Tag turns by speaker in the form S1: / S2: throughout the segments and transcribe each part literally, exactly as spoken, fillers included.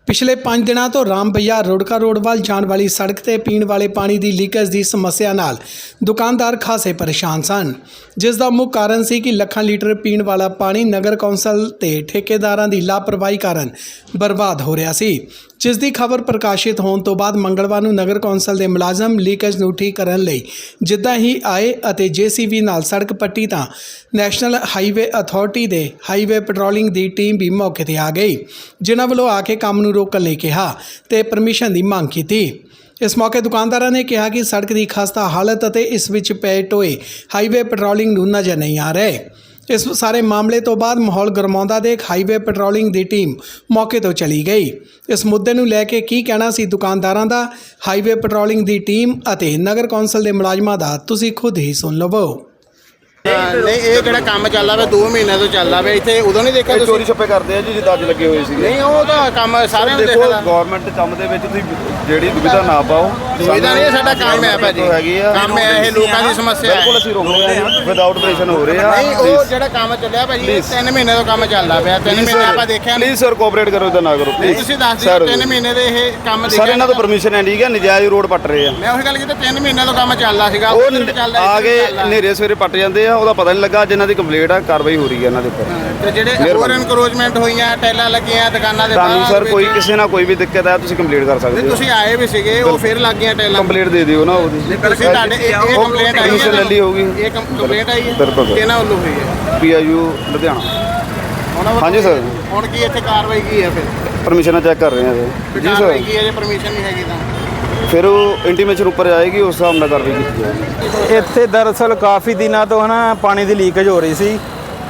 S1: पिछले पाँच दिनों तो राम बजार रोडका रोड वाल जाने वाली सड़क ते पीण वाले पानी की लीकेज की समस्या नाल दुकानदार खासे परेशान सन, जिसका मुख्य कारण सी कि ਲੱਖਾਂ लीटर पीण वाला पानी नगर कौंसल ते ठेकेदारां दी लापरवाही कारण बर्बाद हो रहा सी। जिस दी खबर प्रकाशित होने तो बाद मंगलवार नूं नगर कौंसल के मुलाजम लीकेज नूं ठीक करन लई जिद्दां ही आए अते जे सी बी नाल सड़क पट्टी तां नैशनल हाईवे अथॉरिटी दे हाईवे पेट्रोलिंग दी टीम भी मौके ते आ गई, जिन्हां वल्लों आके काम नूं रोकण लई कहा ते परमिशन की मांग की। इस मौके दुकानदारों ने कहा कि सड़क की खस्ता हालत और इस विच पए टोए हाईवे पेट्रोलिंग नूं नज़र नहीं आ रहे। इस सारे मामले तो बाद माहौल गरमाउंदा देख हाईवे पेट्रोलिंग की टीम मौके तो चली गई। इस मुद्दे नूं लैके की कहना सी दुकानदारां दा, हाईवे पेट्रोलिंग की टीम और नगर कौंसल के मुलाजमां दा तुसीं खुद ही सुन लवो।
S2: नहीं ये ਜਿਹੜਾ ਕੰਮ ਚੱਲਦਾ ਵੇ ਦੋ ਮਹੀਨੇ ਤੋਂ ਚੱਲਦਾ ਵੇ ਇੱਥੇ ਉਦੋਂ ਨਹੀਂ ਦੇਖਿਆ
S3: ਚੋਰੀ ਛੱਪੇ ਕਰਦੇ ਆ ਜੀ ਜਿੱਦਾਂ ਅੱਜ ਲੱਗੇ ਹੋਏ ਸੀਗੇ।
S2: ਨਹੀਂ ਉਹ ਤਾਂ ਕੰਮ ਸਾਰਿਆਂ ਨੂੰ
S3: ਦੇਖੋ
S2: ਦੇਖਦਾ।
S3: ਗਵਰਨਮੈਂਟ ਦੇ ਕੰਮ ਦੇ ਵਿੱਚ ਤੁਸੀਂ ਜਿਹੜੀ ਦੁਵਿਧਾ ਨਾ ਪਾਓ।
S2: ਦੁਵਿਧਾ ਨਹੀਂ ਸਾਡਾ ਕੰਮ ਹੈ ਭਾਜੀ, ਕੰਮ ਹੈ ਇਹ ਲੋਕਾਂ ਦੀ ਸਮੱਸਿਆ ਹੈ।
S3: ਬਿਲਕੁਲ ਅਸੀਂ ਰੋਕ ਰਹੇ ਹਾਂ, ਵਿਦਆਊਟ ਆਪਰੇਸ਼ਨ ਹੋ ਰਹੇ ਆ।
S2: ਨਹੀਂ ਉਹ ਜਿਹੜਾ ਕੰਮ ਚੱਲਿਆ ਭਾਜੀ ਤਿੰਨ ਮਹੀਨੇ ਤੋਂ ਕੰਮ ਚੱਲਦਾ ਪਿਆ, ਤਿੰਨ ਮਹੀਨੇ ਆਪਾਂ ਦੇਖਿਆ ਨਹੀਂ।
S3: ਪਲੀਜ਼ ਸਰ ਕੋਆਪਰੇਟ ਕਰੋ ਤਾਂ ਨਾ ਕਰੋ ਪਲੀਜ਼।
S2: ਤੁਸੀਂ ਦੱਸ ਦਿਓ ਤਿੰਨ ਮਹੀਨੇ ਦੇ ਇਹ ਕੰਮ ਦੇਖਿਆ
S3: ਸਰ ਇਹਨਾਂ ਤੋਂ ਪਰਮਿਸ਼ਨ ਹੈ ਠੀਕ ਹੈ, ਨਜਾਇਜ਼ ਰੋਡ ਪੱਟ ਰਹੇ ਆ।
S2: ਮੈਂ ਉਹੀ ਗੱਲ ਕੀਤੀ ਤਿੰਨ ਮਹੀਨੇ ਤੋਂ ਕੰਮ ਚੱਲਦਾ ਸੀਗਾ
S3: ਉਹ ਆ ਕੇ ਹਨੇਰੇ ਸਵੇਰੇ ਪੱਟ ਜਾਂਦੇ ਆ, ਉਹਦਾ ਪਤਾ ਨਹੀਂ ਲੱਗਾ। ਜਿਨ੍ਹਾਂ ਦੀ ਕੰਪਲੇਂਟ ਆ ਕਾਰਵਾਈ ਹੋ ਰਹੀ ਹੈ ਇਹਨਾਂ ਦੇ ਉੱਪਰ।
S2: ਤੇ ਜਿਹੜੇ ਹੋਰ ਇਨਕਰੋਚਮੈਂਟ ਹੋਈਆਂ ਟੈਲਾਂ ਲੱਗੀਆਂ ਦੁਕਾਨਾਂ ਦੇ ਬਾਹਰ
S3: ਤੁਹਾਨੂੰ ਸਰ ਕੋਈ ਕਿਸੇ ਨਾਲ ਕੋਈ ਵੀ ਦਿੱਕਤ ਹੈ ਤੁਸੀਂ ਕੰਪਲੇਂਟ ਕਰ ਸਕਦੇ ਹੋ।
S2: ਤੁਸੀਂ ਆਏ ਵੀ ਸੀਗੇ ਉਹ ਫਿਰ ਲੱਗ ਗਈਆਂ ਟੈਲਾਂ।
S3: ਕੰਪਲੇਂਟ ਦੇ ਦਿਓ ਨਾ ਉਹਦੀ।
S2: ਤੁਸੀਂ ਤੁਹਾਡੇ ਇਹ ਕੰਪਲੇਂਟ ਆਈ
S3: ਹੈ, ਲੈ ਲਈ ਹੋਗੀ
S2: ਇਹ ਕੰਪਲੇਂਟ ਆਈ ਹੈ
S3: ਬਿਲਕੁਲ
S2: ਕਿਹਨਾਂ ਵੱਲੋਂ ਹੋਈ ਹੈ?
S3: P I U Ludhiana. ਹਾਂਜੀ ਸਰ
S2: ਹੁਣ ਕੀ ਇੱਥੇ ਕਾਰਵਾਈ ਕੀ ਹੈ? ਫਿਰ
S3: ਪਰਮਿਸ਼ਨਾਂ ਚੈੱਕ ਕਰ ਰਹੇ ਹਾਂ ਜੀ ਸਰ।
S2: ਕੀ ਹੈ ਜੇ ਪਰਮਿਸ਼ਨ ਨਹੀਂ ਹੈਗੀ ਤਾਂ
S3: ਫਿਰ ਉਹ ਇੰਟੀਮੇਸ਼ਨ ਉੱਪਰ ਆਏਗੀ, ਉਸ ਹਿਸਾਬ ਨਾਲ ਕਾਰਵਾਈ ਕੀਤੀ ਜਾਏਗੀ।
S4: ਇੱਥੇ ਦਰਅਸਲ ਕਾਫੀ ਦਿਨਾਂ ਤੋਂ ਹਨਾ ਪਾਣੀ ਦੀ ਲੀਕੇਜ ਹੋ ਰਹੀ ਸੀ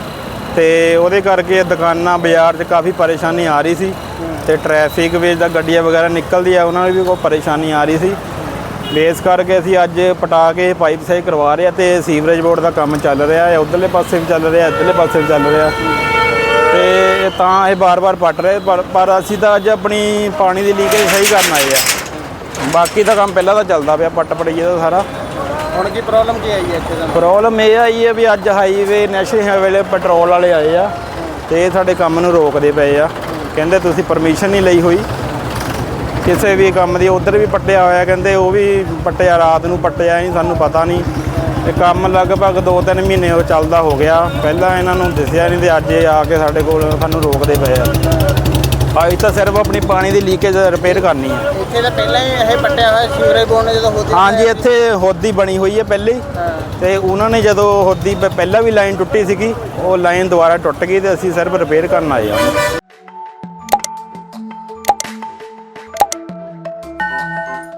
S4: ਤੇ ਉਹਦੇ ਕਰਕੇ ਦੁਕਾਨਾਂ ਬਾਜ਼ਾਰ 'ਚ ਕਾਫੀ ਪਰੇਸ਼ਾਨੀ ਆ ਰਹੀ ਸੀ ਤੇ ਟ੍ਰੈਫਿਕ ਵਿੱਚ ਦਾ ਗੱਡੀਆਂ ਵਗੈਰਾ ਨਿਕਲਦੀ ਆ ਉਹਨਾਂ ਨੂੰ ਵੀ ਕੋਈ ਪਰੇਸ਼ਾਨੀ ਆ ਰਹੀ ਸੀ। ਬੇਸ ਕਰਕੇ ਅਸੀਂ ਅੱਜ ਪਟਾ ਕੇ ਪਾਈਪ ਸਹੀ ਕਰਵਾ ਰਹੇ ਆ ਤੇ ਸੀਵਰੇਜ ਬੋਰਡ ਦਾ ਕੰਮ ਚੱਲ ਰਿਹਾ ਹੈ, ਉਧਰਲੇ ਪਾਸੇ ਵੀ ਚੱਲ ਰਿਹਾ, ਇੱਧਰਲੇ ਪਾਸੇ ਵੀ ਚੱਲ ਰਿਹਾ ਤੇ ਤਾਂ ਇਹ ਬਾਰ-ਬਾਰ ਪੱਟ ਰਹੇ ਪਰ ਪਰ ਅਸੀਂ ਤਾਂ ਅੱਜ ਆਪਣੀ ਪਾਣੀ ਦੀ ਲੀਕੇਜ ਸਹੀ ਕਰਨ ਆਏ ਆ। ਬਾਕੀ ਦਾ ਕੰਮ ਪਹਿਲਾਂ ਤਾਂ ਚੱਲਦਾ ਪਿਆ ਪੱਟ ਪੜਈਏ ਦਾ ਸਾਰਾ।
S2: ਹੁਣ ਕੀ ਪ੍ਰੋਬਲਮ ਕੀ ਆਈ ਹੈ ਇੱਥੇ ਦਾ?
S4: ਪ੍ਰੋਬਲਮ ਇਹ ਆਈ ਹੈ ਵੀ ਅੱਜ ਹਾਈਵੇ ਨੈਸ਼ਨਲ ਹਾਈਵੇ ਵਾਲੇ ਪੈਟਰੋਲ ਵਾਲੇ ਆਏ ਆ ਤੇ ਇਹ ਸਾਡੇ ਕੰਮ ਨੂੰ ਰੋਕਦੇ ਪਏ ਆ। ਕਹਿੰਦੇ ਤੁਸੀਂ ਪਰਮਿਸ਼ਨ ਨਹੀਂ ਲਈ ਹੋਈ ਕਿਸੇ ਵੀ ਕੰਮ ਦੀ। ਉੱਧਰ ਵੀ ਪੱਟਿਆ ਹੋਇਆ, ਕਹਿੰਦੇ ਉਹ ਵੀ ਪੱਟਿਆ, ਰਾਤ ਨੂੰ ਪੱਟਿਆ ਨਹੀਂ, ਸਾਨੂੰ ਪਤਾ ਨਹੀਂ। ਇਹ ਕੰਮ ਲਗਭਗ ਦੋ ਤਿੰਨ ਮਹੀਨੇ ਉਹ ਚੱਲਦਾ ਹੋ ਗਿਆ, ਪਹਿਲਾਂ ਇਹਨਾਂ ਨੂੰ ਦਿਸਿਆ ਨਹੀਂ ਤੇ ਅੱਜ ਇਹ ਆ ਕੇ ਸਾਡੇ ਕੋਲ ਸਾਨੂੰ ਰੋਕਦੇ ਪਏ ਆ। ਅੱਜ ਤਾਂ ਸਿਰਫ ਆਪਣੀ ਪਾਣੀ ਦੀ ਲੀਕੇਜ ਰਿਪੇਅਰ ਕਰਨੀ ਹੈ।
S2: ਇੱਥੇ ਤਾਂ ਪਹਿਲਾਂ ਹੀ ਇਹ ਪੱਟਿਆ ਹੋਇਆ ਸੀਵਰੇਜ ਬੋਰਡ ਨੇ ਜਦੋਂ ਹੋਦੀ।
S4: ਹਾਂਜੀ ਇੱਥੇ ਹੋਦੀ ਬਣੀ ਹੋਈ ਹੈ ਪਹਿਲੇ ਹੀ ਤੇ ਉਹਨਾਂ ਨੇ ਜਦੋਂ ਹੋਦੀ ਪਹਿਲਾਂ ਵੀ ਲਾਈਨ ਟੁੱਟੀ ਸੀਗੀ, ਉਹ ਲਾਈਨ ਦੁਬਾਰਾ ਟੁੱਟ ਗਈ ਤੇ ਅਸੀਂ ਸਿਰਫ ਰਿਪੇਅਰ ਕਰਨ ਆਏ ਹਾਂ।